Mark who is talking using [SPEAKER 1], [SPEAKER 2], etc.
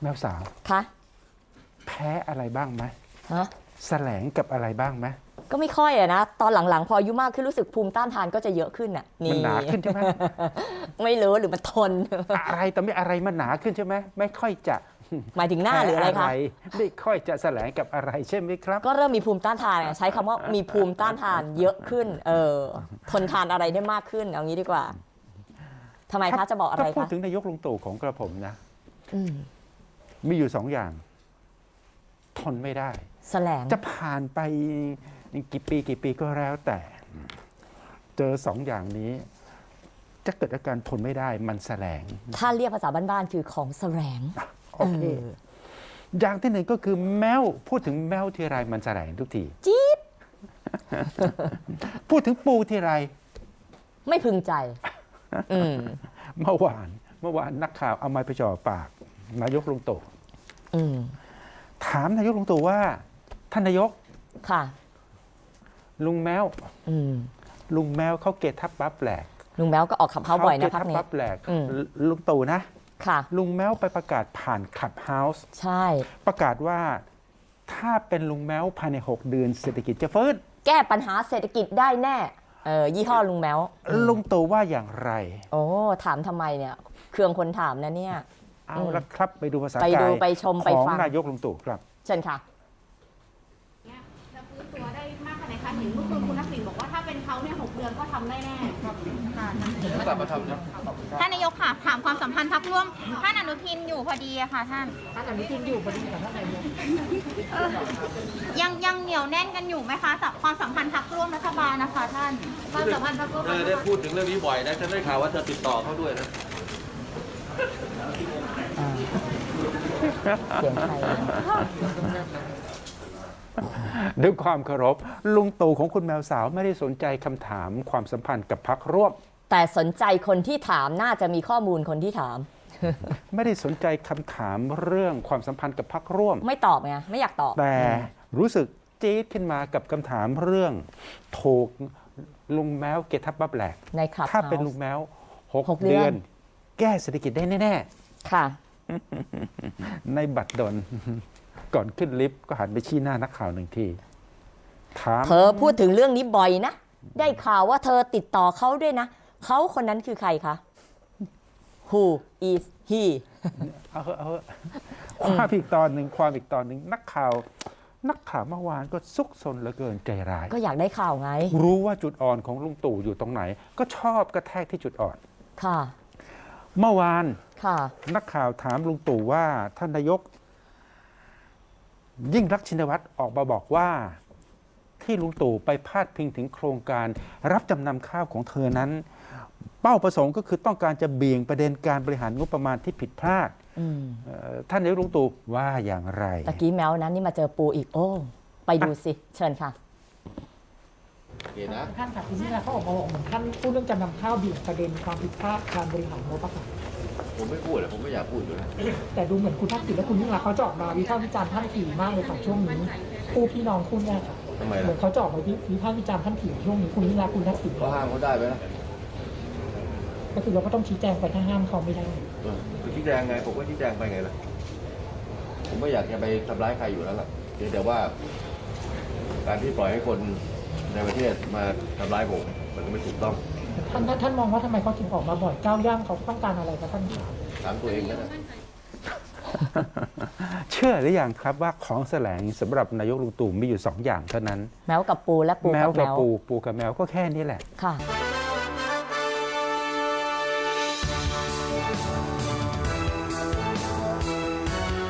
[SPEAKER 1] แมวสาว
[SPEAKER 2] คะ
[SPEAKER 1] แพ้อะไรบ้างไหม
[SPEAKER 2] ฮะ
[SPEAKER 1] แสลงกับอะไรบ้างไหม
[SPEAKER 2] ก็ไม่ค่อยอะนะตอนหลังๆพออายุมากขึ้นรู้สึกภูมิต้านทานก็จะเยอะขึ้นอะ
[SPEAKER 1] มันหนาขึ้นใช่ไหม
[SPEAKER 2] ไม่รู้หรือมันทน
[SPEAKER 1] อะไรแต่ไม่อะไรมันหนาขึ้นใช่ไหมไม่ค่อยจะ
[SPEAKER 2] หมายถึงหน้าหรืออะไรคะ
[SPEAKER 1] ไม่ค่อยจะแสลงกับอะไรใช่ไหมครับ
[SPEAKER 2] ก็เริ่มมีภูมิต้านทานไงใช้คำว่ามีภูมิต้านทานเยอะขึ้น ทนทานอะไรได้มากขึ้นเอางี้ดีกว่าทำไมคะจะบอกอะไร
[SPEAKER 1] ถ้าพูด
[SPEAKER 2] คะ
[SPEAKER 1] ถึงนายกลุงตู่ของกระผมนะ
[SPEAKER 2] อืม
[SPEAKER 1] มีอยู่2 อย่าง ทนไม่ได้
[SPEAKER 2] แสลง
[SPEAKER 1] จะผ่านไปกี่ปีก็แล้วแต่ เจอ2 อย่างนี้ จะเกิดอาการทนไม่ได้มันแสลง
[SPEAKER 2] ถ้าเรียกภาษาบ้านๆคือของแสลง
[SPEAKER 1] โอเค อย่างที่ 1ก็คือแมวพูดถึงแมวทีไรมันแสลงทุกที
[SPEAKER 2] จี๊ด
[SPEAKER 1] พูดถึงปูทีไร
[SPEAKER 2] ไม่พึงใจ อืม
[SPEAKER 1] เมื่อวานนักข่าวเอาไม้ไปจ่อปากนายกลุงตู่
[SPEAKER 2] อืม
[SPEAKER 1] ถามนายกลุงตู่ว่าท่านนายก
[SPEAKER 2] ค่ะ
[SPEAKER 1] ลุงแมว
[SPEAKER 2] อืม
[SPEAKER 1] ลุงแมวเขาเกทับปั๊บแหลก
[SPEAKER 2] ลุงแมวก็ออกขับเขาบ่อยนะพัก
[SPEAKER 1] เกทับ
[SPEAKER 2] นี้
[SPEAKER 1] ปั๊บแหลก
[SPEAKER 2] อืม
[SPEAKER 1] ลุงตู่นะ
[SPEAKER 2] ค่ะ
[SPEAKER 1] ลุงแมวไปประกาศผ่านขับเฮาส์
[SPEAKER 2] ใช่
[SPEAKER 1] ประกาศว่าถ้าเป็นลุงแมวภายใน6 เดือนเศรษฐกิจจะฟื้น
[SPEAKER 2] แก้ปัญหาเศรษฐกิจได้แน่ยี่ห้อลุงแมว
[SPEAKER 1] ลุงตู่ว่าอย่างไร
[SPEAKER 2] โอ้ถามทำไมเนี่ยเครื่องคนถามนะเนี่ย
[SPEAKER 1] เอาละครับไปดูภาษา
[SPEAKER 2] ไป
[SPEAKER 1] กา
[SPEAKER 2] ดู
[SPEAKER 1] ย
[SPEAKER 2] ไปชมไป
[SPEAKER 1] ของ
[SPEAKER 2] ฟัง
[SPEAKER 1] นายกลุงตู่ครับ
[SPEAKER 2] เชิญค่ะ
[SPEAKER 3] เนี่ยจะฟื้นตัวได้มากขนาดไหนคะเห็นเมื่อคืนคุณทักษิณบอกว่าถ้าเป็นเขาเนี่ย6 เดือนก็ทำได้แน่ค่ะท่านนายกค่ะถามความสัมพันธ์พรรคร่วมท่านอนุทินอยู่พอดีอะค่ะท่านอนุทินอยู่พอดีกับท่านนายกยังเหนียวแน่นกันอยู่ไหมคะความสัมพันธ์พรรคร่วมรัฐบาลนะคะท่านความสัมพันธ์พรรคร่วม
[SPEAKER 4] ได้พูดถึงเรื่องนี้บ่อยนะฉันได้ข่าวว่าเธอติดต่อเขาด้วยนะ
[SPEAKER 2] เสียงใครเนี่ย
[SPEAKER 1] ด้วยความเคารพลุงตู่ของคุณแมวสาวไม่ได้สนใจคำถามความสัมพันธ์กับพรรคร่วม
[SPEAKER 2] แต่สนใจคนที่ถามน่าจะมีข้อมูลคนที่ถาม
[SPEAKER 1] ไม่ได้สนใจคำถามเรื่องความสัมพันธ์กับพรรคร่วม
[SPEAKER 2] ไม่ตอบไงไม่อยากตอบ
[SPEAKER 1] แต่รู้สึกจี๊ดขึ้นมากับคำถามเรื่องถูกลุงแมวเกทับบับแหลก
[SPEAKER 2] ในคลับ
[SPEAKER 1] ถ้าเป็น
[SPEAKER 2] เฮาส์
[SPEAKER 1] ลุงแมว
[SPEAKER 2] หก
[SPEAKER 1] 6
[SPEAKER 2] เดื
[SPEAKER 1] เดื
[SPEAKER 2] อ
[SPEAKER 1] อน น แก้เศรษฐกิจได้แน่
[SPEAKER 2] ค่ะ
[SPEAKER 1] ๆ ในบัตรดล ก่อนขึ้นลิฟต์ก็หันไปชี้หน้านักข่าว1 ทีถาม
[SPEAKER 2] เธอพูดถึงเรื่องนี้บ่อยนะ ได้ข่าวว่าเธอติดต่อเขาด้วยนะ เขาคนนั้นคือใครคะ Who is he
[SPEAKER 1] เอาเถอะความอีกตอนหนึ่งนักข่าวเมื่อวานก็ซุกซนเหลือเกินใจร้าย
[SPEAKER 2] ก็อยากได้ข่าวไง
[SPEAKER 1] รู้ว่าจุดอ่อนของลุงตู่อยู่ตรงไหน ก็ชอบกระแทกที่จุดอ่อน
[SPEAKER 2] ค่ะ
[SPEAKER 1] เมื่อวาน
[SPEAKER 2] ค่ะ
[SPEAKER 1] นักข่าวถามลุงตู่ว่าท่านนายก ยิ่งรักษณ์ชินวัตรออกมาบอกว่า ที่ลุงตู่ไปพาดพิงถึงโครงการรับจำนำข้าวของเธอนั้น เป้าประสงค์ก็คือต้องการจะเบี่ยงประเด็นการบริหารงบประมาณที่ผิดพลาด
[SPEAKER 2] อืม
[SPEAKER 1] ท่านนายกลุงตู่ว่าอย่างไร
[SPEAKER 2] ตะกี้แมวนั้นนี่มาเจอปูอีก โอ้ ไปดูสิ เชิญค่ะ
[SPEAKER 4] โอเคนะ
[SPEAKER 5] ท่านค่ะคุณพิธาเขาออกมาบอกเหมือนท่านพูดเรื่องจำนำข้าวเบี่ยงประเด็นความผิดพลาดการบริหารงบประมาณ
[SPEAKER 4] ผมไม่พูดเลยผมไม่อยากพูดอยู่แล้ว
[SPEAKER 5] แต่ดูเหมือนคุณทักษิณและคุณยิ่งรักษณ์เขาจะออกมาวิพากษ์วิจารณ์ท่านถี่มากเลยค่ะช่วงนี้คู่พี่น้องคู่เนี่ยค่ะ
[SPEAKER 4] ทำไม
[SPEAKER 5] เหมื
[SPEAKER 4] ล่ะ
[SPEAKER 5] อนเขาจะออกมาวิพากษ์วิจารณ์ท่านถี่ช่วงนี้คุณยิ่งรักษณ์คุณทักษิณ
[SPEAKER 4] เขาห้ามเขาได้ไหมล่ะ
[SPEAKER 5] ก็คือเราก็ต้องชี้แจงไปถ้าห้ามเขาไม่ได้
[SPEAKER 4] ไปชี้แจงไงผมก็ชี้แจงไปไงล่ะผมไม่อยากจะไปทำร้ายใครอยู่แล้วล่ะเพียงแต่ว่า การที่ปล่อยให้คนในประเทศมาทำร้ายผมมันก็ไม่ถูกต้อง
[SPEAKER 5] ท่านมองว่าทำไมเขาถึงออกมาบ่อยก้าวย่างเขาต้องการอะไรคะท่านคะ
[SPEAKER 4] ถามตัวเองก็ได้
[SPEAKER 1] เชื่อหรือยังครับว่าของแสลงสำหรับนายกลุงตู่มีอยู่2 อย่างเท่านั้น
[SPEAKER 2] แมวกับปูและปู
[SPEAKER 1] แม
[SPEAKER 2] กั
[SPEAKER 1] ว
[SPEAKER 2] บแม
[SPEAKER 1] กับ
[SPEAKER 2] ว
[SPEAKER 1] ปูกับแมวก็แค่นี้แหละ
[SPEAKER 2] ค่ะ
[SPEAKER 4] ไป